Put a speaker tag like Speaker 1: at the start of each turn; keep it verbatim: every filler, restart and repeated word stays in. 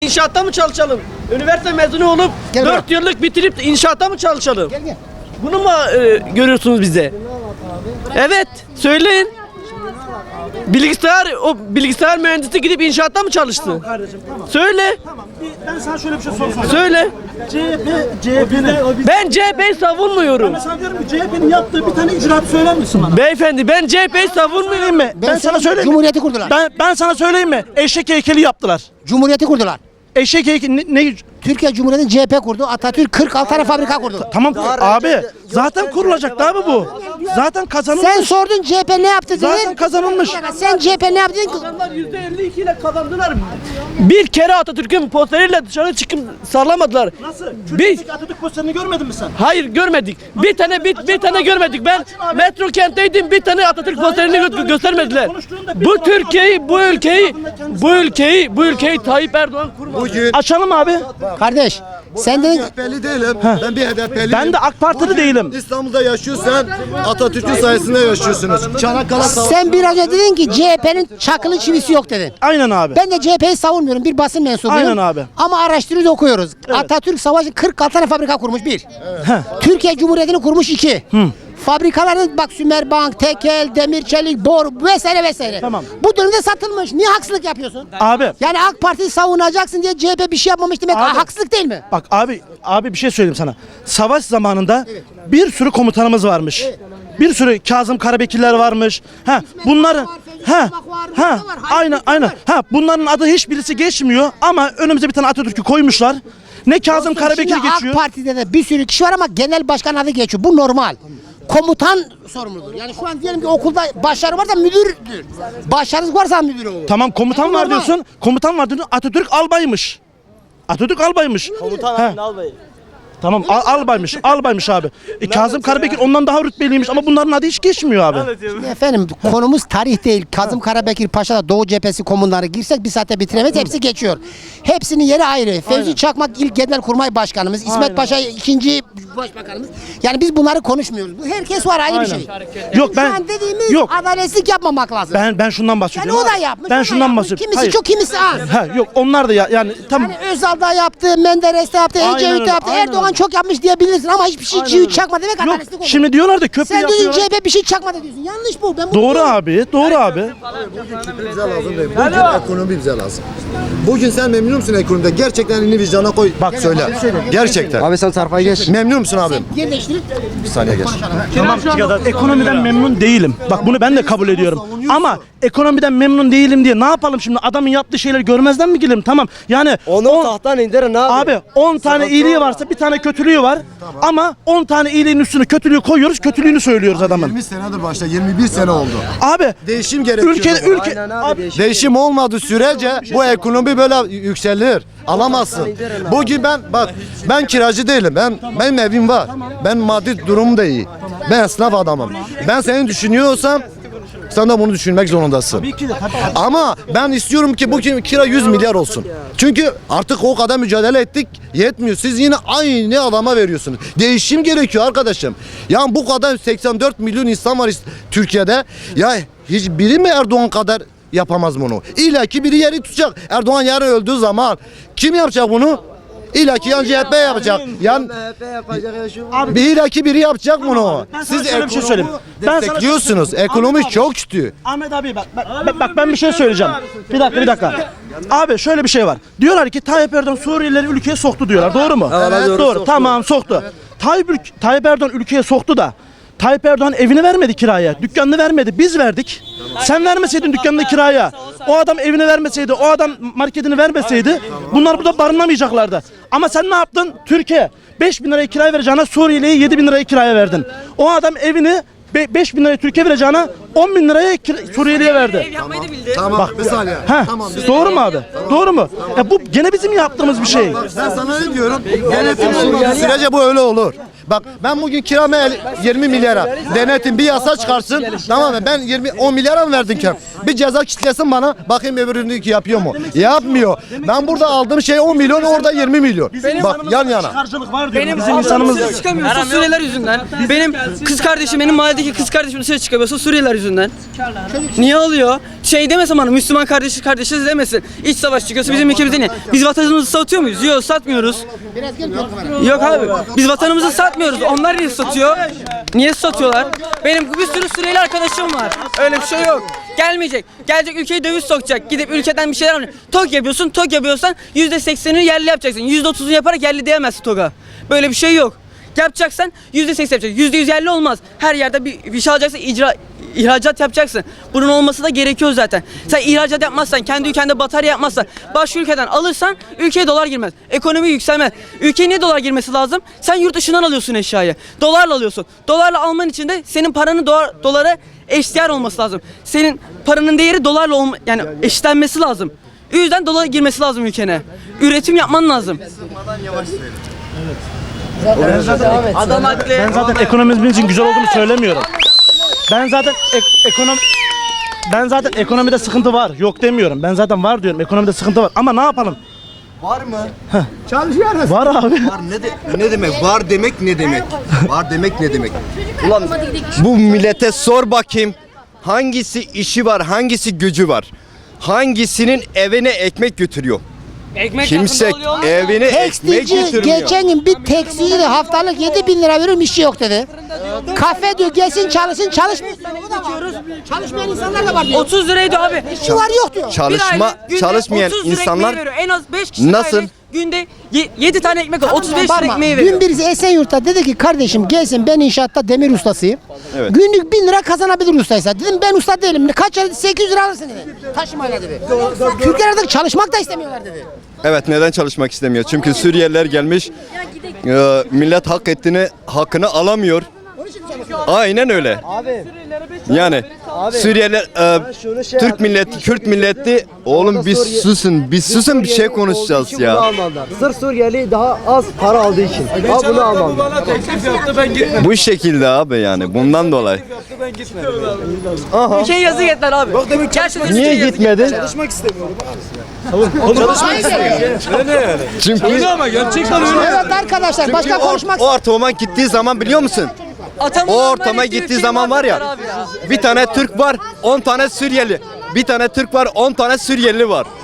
Speaker 1: inşaatta mı çalışalım? Üniversite mezunu olup
Speaker 2: Gel
Speaker 1: dört
Speaker 2: bak.
Speaker 1: yıllık bitirip inşaatta mı çalışalım?
Speaker 2: Gel gel.
Speaker 1: Bunu mu e, görüyorsunuz bize? Evet, söyleyin. Bilgisayar, o bilgisayar mühendisi gidip inşaatta mı çalıştı?
Speaker 3: Kardeşim tamam.
Speaker 1: Söyle,
Speaker 3: Tamam. Bir, ben sana şöyle bir şey sorayım.
Speaker 1: söyle.
Speaker 3: C H P, C H P'nin.
Speaker 1: Ben C H P'yi savunmuyorum.
Speaker 3: Ben sana diyorum ki C H P'nin yaptığı bir tane icraat söyler misin bana?
Speaker 1: Beyefendi, ben C H P'yi savunmuyorum.
Speaker 3: mi? Ben, sana söyleyeyim mi?
Speaker 2: Cumhuriyeti kurdular.
Speaker 3: Ben, ben sana söyleyeyim mi? Eşek heykeli yaptılar.
Speaker 2: Cumhuriyeti kurdular.
Speaker 3: Eşek heykeli ne? ne
Speaker 2: Türkiye Cumhuriyeti'ni C H P kurdu. Atatürk kırk altı tane fabrika kurdu.
Speaker 3: tamam abi. Zaten kurulacaktı abi bu. Zaten kazanılmış.
Speaker 2: Sen sordun C H P ne yaptı dedin.
Speaker 3: Zaten kazanılmış.
Speaker 2: Sen C H P ne yaptı dedin?
Speaker 1: Adamlar yüzde elli iki ile kazandılar. Bir kere Atatürk'ün posteriyle dışarı çıkıp sallamadılar.
Speaker 3: Nasıl?
Speaker 1: Biz,
Speaker 3: Türkiye'deki Atatürk posterini görmedin mi sen?
Speaker 1: hayır görmedik. Bir tane bir, bir tane görmedik. Ben metro kentteydim. Bir tane Atatürk posterini gö- göstermediler. Bu Türkiye'yi, bu ülkeyi, bu ülkeyi, bu ülkeyi Tayyip Erdoğan kurmadı.
Speaker 4: Bugün
Speaker 3: Açalım abi.
Speaker 2: Kardeş sen dedin
Speaker 4: H D P'li değilim. Ben bir H D P'liyim.
Speaker 3: Ben de AK Partili değilim.
Speaker 4: İstanbul'da yaşıyorsan Atatürk'ün sayesinde yaşıyorsunuz. Çanakkale Savaşı.
Speaker 2: sen biraz önce dedin ki C H P'nin çakılı çivisi yok dedin.
Speaker 3: Aynen abi.
Speaker 2: Ben de C H P'yi savunmuyorum. Bir basın mensubuyum.
Speaker 3: Aynen abi.
Speaker 2: Ama araştırıyoruz, okuyoruz. Atatürk savaşı kırk altı tane fabrika kurmuş bir. Türkiye Cumhuriyeti'ni kurmuş iki. Fabrikaların bak Sümerbank, Tekel, Demir Çelik, Bor vesaire vesaire.
Speaker 3: Tamam.
Speaker 2: Bu dönemde satılmış. Niye haksızlık yapıyorsun?
Speaker 3: Abi.
Speaker 2: Yani AK Parti'yi savunacaksın diye C H P bir şey yapmamış demek
Speaker 3: Abi.
Speaker 2: haksızlık değil mi?
Speaker 3: Bak abi abi bir şey söyleyeyim sana. Savaş zamanında bir sürü komutanımız varmış. Bir sürü Kazım Karabekirler varmış. Ha bunların
Speaker 2: var, Fevzi
Speaker 3: ha
Speaker 2: Çakmak var,
Speaker 3: ha
Speaker 2: Mustafa var, Hayri
Speaker 3: aynen
Speaker 2: Bilgin
Speaker 3: aynen.
Speaker 2: var.
Speaker 3: Ha bunların adı hiçbirisi geçmiyor ama önümüze bir tane Atatürk'ü koymuşlar. Ne Kazım Karabekir
Speaker 2: Şimdi
Speaker 3: geçiyor.
Speaker 2: AK Parti'de de bir sürü kişi var ama genel başkan adı geçiyor. Bu normal. Komutan sorumludur. Yani şu an diyelim ki okulda başarı varsa müdürdür. Başarısız varsa müdür olur.
Speaker 3: Tamam komutan
Speaker 2: Yani
Speaker 3: var
Speaker 2: normal.
Speaker 3: diyorsun. Komutan var diyorsun. Atatürk albaymış. Atatürk albaymış. Komutan
Speaker 1: albayı.
Speaker 3: Tamam al, albaymış. Albaymış abi. E, Kazım Karabekir ondan daha rütbeliymiş ama bunların adı hiç geçmiyor abi.
Speaker 2: Şimdi efendim konumuz tarih değil. Kazım Karabekir Paşa'da Doğu Cephesi komunları girsek bir saatte bitiremeyiz. Hepsi geçiyor. Hepsinin yeri ayrı. Fevzi Çakmak ilk Genelkurmay Başkanımız. İsmet
Speaker 3: Aynen.
Speaker 2: Paşa ikinci Başbakanımız. Yani biz bunları konuşmuyoruz. Bu herkes var ayrı bir
Speaker 3: Aynen.
Speaker 2: şey.
Speaker 3: Yok ben
Speaker 2: Şu an dediğimiz
Speaker 3: yok
Speaker 2: adaletsizlik yapmamak lazım.
Speaker 3: ben ben şundan
Speaker 2: yani
Speaker 3: bahsediyorum.
Speaker 2: o da yapmış.
Speaker 3: Ben
Speaker 2: o da
Speaker 3: şundan
Speaker 2: yapmış.
Speaker 3: bahsediyorum.
Speaker 2: Kimisi
Speaker 3: Hayır.
Speaker 2: çok kimisi az.
Speaker 3: Ha yok onlar da ya yani tam
Speaker 2: Hani Özal da yaptı, Menderes de yaptı,
Speaker 3: Aynen
Speaker 2: Ecevit
Speaker 3: öyle,
Speaker 2: de yaptı,
Speaker 3: aynen
Speaker 2: Erdoğan
Speaker 3: öyle.
Speaker 2: çok yapmış diyebilirsin ama hiçbir şey
Speaker 3: Aynen
Speaker 2: çivi
Speaker 3: öyle.
Speaker 2: çakma demek
Speaker 3: Yok
Speaker 2: adaletsizlik olur.
Speaker 3: şimdi diyorlar da köprü
Speaker 2: Sen diyorsun
Speaker 3: yapıyorlar.
Speaker 2: C H P bir şey çakmadı diyorsun. Yanlış bu. Ben bunu
Speaker 3: Doğru
Speaker 2: diyorum.
Speaker 3: abi, doğru abi.
Speaker 4: Bize lazım değil. Bugün ekonomi bize lazım. Bugün sen memnun musun ekonomide? Gerçekten elini vicdana koy. Bak söyle. Gerçekten.
Speaker 5: Abi sen sarfaya geç.
Speaker 4: Memnun musun abim?
Speaker 2: Yer değiştirip
Speaker 4: Bir saniye geç.
Speaker 3: Tamam ekonomiden memnun değilim. Bak bunu ben de kabul ediyorum. Ama ekonomiden memnun değilim diye ne yapalım şimdi? Adamın yaptığı şeyleri görmezden mi gelelim? Tamam. Yani
Speaker 5: Onu
Speaker 3: on-
Speaker 5: tahttan indirin abi.
Speaker 3: Abi on tane iyiliği varsa bir tane kötülüğü var. Ama on tane iyiliğin üstüne kötülüğü koyuyoruz, kötülüğünü söylüyoruz adamın.
Speaker 4: yirmi senedir başta. yirmi bir sene oldu.
Speaker 3: Abi
Speaker 4: Değişim gerekiyor.
Speaker 3: ülke ülke
Speaker 5: Aynen abi, değişim.
Speaker 4: Değişim olmadığı sürece bu ekonomi böyle yükselir. Alamazsın. Bugün ben bak ben kiracı değilim. Ben benim evim var. Ben maddi durumum da iyi. Ben esnaf adamım. Ben seni düşünüyorsam sen de bunu düşünmek zorundasın.
Speaker 3: Tabii ki de, tabii.
Speaker 4: Ama ben istiyorum ki bu kira yüz milyar olsun. Çünkü artık o kadar mücadele ettik yetmiyor. Siz yine aynı adama veriyorsunuz. Değişim gerekiyor arkadaşım. Yani bu kadar seksen dört milyon insan var Türkiye'de. Ya hiçbiri mi Erdoğan kadar yapamaz bunu? İlla ki biri yeri tutacak. Erdoğan yarın öldüğü zaman kim yapacak bunu? İlla ki yan C H P yapacak. Yan
Speaker 5: M H P yapacak ya şu.
Speaker 4: bir illa ki biri yapacak bunu.
Speaker 3: Ben sana
Speaker 4: Siz
Speaker 3: şöyle bir şey söyleyeyim. Ben sana-
Speaker 4: destekliyorsunuz. Ekonomi
Speaker 3: Ahmet abi.
Speaker 4: çok kötü.
Speaker 3: Ahmet abi bak, bak, bak, bak ben bir şey söyleyeceğim. Bir dakika bir dakika. Abi şöyle bir şey var. Diyorlar ki Tayyip Erdoğan Suriyelileri ülkeye soktu diyorlar. Doğru mu?
Speaker 5: Evet, doğru,
Speaker 3: Doğru.
Speaker 5: soktu.
Speaker 3: Tamam soktu. Tayyip, ülk- Tayyip Erdoğan ülkeye soktu da Tayyip Erdoğan evini vermedi kiraya. Dükkanını vermedi. Biz verdik. Sen vermeseydin dükkanını kiraya. O adam evini vermeseydi, o adam marketini vermeseydi bunlar burada barınamayacaklardı. Ama sen ne yaptın? Türkiye beş bin liraya kiraya vereceğine Suriyeli'ye yedi bin liraya kiraya verdin. O adam evini beş bin liraya Türkiye vereceğine on bin liraya kira- Suriyeli'ye verdi.
Speaker 4: Tamam
Speaker 3: Bak,
Speaker 4: bir saniye.
Speaker 3: Heh,
Speaker 4: Tamam.
Speaker 3: doğru mu abi? Doğru mu? Ya bu gene bizim yaptığımız bir şey.
Speaker 4: Ben sana ne diyorum? Denetim olmadığı sürece bu öyle olur. Bak ben bugün kiramı el- yirmi milyara denetim bir yasa çıkarsın. Tamam mı? Ben yirmi on milyara mı verdin kiram? Bir ceza kitlesin bana. Bakayım öbüründeki yapıyor mu? Yapmıyor. Ben burada aldığım şey on milyon, orada yirmi milyon. Bak yan yana.
Speaker 3: Karşılık var diyorum.
Speaker 6: Benim
Speaker 3: Bizim insanımız
Speaker 6: dışarı çıkamıyorsa Suriyeliler yüzünden. Benim kız kardeşim, benim mahalledeki kız kardeşim dışarı çıkamıyorsa Suriyeliler yüzünden. Niye alıyor? Şey demesin bana, Müslüman kardeşi kardeşiz demesin. İç savaş çıkıyorsa bizim ülkemizde niye? Biz vatanımızı satıyor muyuz? Yok, satmıyoruz. Yok abi. Biz vatanımızı satmıyoruz. Onlar niye satıyor? Niye satıyorlar? Benim bir sürü Suriyeli arkadaşım var. Öyle bir şey yok. Gelmeyecek. Gelecek ülkeyi döviz sokacak. Gidip ülkeden bir şeyler alıyor. TOG yapıyorsun. TOG yapıyorsan yüzde seksenini yerli yapacaksın. yüzde otuzunu yaparak yerli diyemezsin TOG'a. Böyle bir şey yok. Yapacaksan yüzde seksen yapacaksın. yüzde yüz yerli olmaz. Her yerde bir, bir şey alacaksın, icra, ihracat yapacaksın. Bunun olması da gerekiyor zaten. Sen ihracat yapmazsan, kendi ülkende batarya yapmazsan, başka ülkeden alırsan ülkeye dolar girmez. Ekonomi yükselmez. Ülkeye niye dolar girmesi lazım? Sen yurt dışından alıyorsun eşyayı. Dolarla alıyorsun. Dolarla alman için de senin paranın dolar, dolara eşdeğer olması lazım. Senin paranın değeri dolarla olma, yani eşitlenmesi lazım. O yüzden dolar girmesi lazım ülkene. Üretim yapman lazım. Adam haklı.
Speaker 3: Ben zaten ekonomimizin için güzel olduğunu söylemiyorum. Ben zaten ek- ekonomi ben zaten ekonomide sıkıntı var. Yok demiyorum. Ben zaten var diyorum. Ekonomide sıkıntı var. Ama ne yapalım?
Speaker 5: Var mı?
Speaker 2: Çalışıyoruz.
Speaker 3: Var abi.
Speaker 5: Var ne, de, ne demek? Var demek ne demek? Var demek ne demek? Ulan bu millete sor bakayım. Hangisi işi var, hangisi gücü var? Hangisinin evine ekmek götürüyor?
Speaker 6: Ekmek
Speaker 5: Kimse
Speaker 6: yakında oluyor.
Speaker 5: evine ekmek
Speaker 2: Tekstilci
Speaker 5: götürmüyor.
Speaker 2: geçen gün bir tekstilde haftalık yedi bin lira veriyorum, işçi yok dedi. Kafe diyor gelsin çalışsın, çalışmıyor. Çalışmayan insanlar da var diyor.
Speaker 6: otuz liraydı abi.
Speaker 2: İşçi var yok diyor.
Speaker 5: Çalışma, çalışmayan insanlar
Speaker 6: en az beş kişi
Speaker 5: nasıl?
Speaker 6: aile günde yedi tane ekmek alıyor. otuz beş lira
Speaker 2: Parma.
Speaker 6: ekmeği
Speaker 2: Dün
Speaker 6: veriyor.
Speaker 2: birisi Esenyurt'ta dedi ki kardeşim gelsin, ben inşaatta demir ustasıyım.
Speaker 5: Evet.
Speaker 2: Günlük bin lira kazanabilir ustaysa. Dedim ben usta değilim. Kaç ay? sekiz yüz lira alırsın dedi. Taşımayla dedi. Türkler artık çalışmak da istemiyorlar dedi.
Speaker 5: Evet, neden çalışmak istemiyor? Çünkü Suriyeliler gelmiş. e, millet hak ettiğini, hakkını alamıyor. Aynen öyle.
Speaker 7: Abi,
Speaker 5: Yani Suriyeliler, e,
Speaker 7: şunu şey
Speaker 5: Türk
Speaker 7: yap-
Speaker 5: milleti, Kürt milleti, oğlum bir
Speaker 7: Suriye-
Speaker 5: susun, bir susun bir şey
Speaker 7: Suriyeli olduğu
Speaker 5: konuşacağız
Speaker 7: için bunu
Speaker 5: ya.
Speaker 7: almadılar. Sırf Suriyeli daha az para aldığı için. Ha bunu almadılar.
Speaker 5: Bu şekilde abi, yani bundan dolayı.
Speaker 6: Ülkeye yazık ettiler abi. Gerçekten
Speaker 5: Niye
Speaker 6: ülkeye yazık
Speaker 5: gitmedi? Çünkü
Speaker 2: Evet arkadaşlar, başka
Speaker 5: o,
Speaker 2: konuşmak
Speaker 5: o ortama gittiği zaman biliyor musun?
Speaker 6: Atamın
Speaker 5: O
Speaker 6: normal
Speaker 5: ortama
Speaker 6: ettiği
Speaker 5: gittiği
Speaker 6: ülkeyi
Speaker 5: zaman var ya,
Speaker 6: mahvettiler abi ya.
Speaker 5: bir tane Türk var, on tane Suriyeli. Bir tane Türk var, on tane Suriyeli var.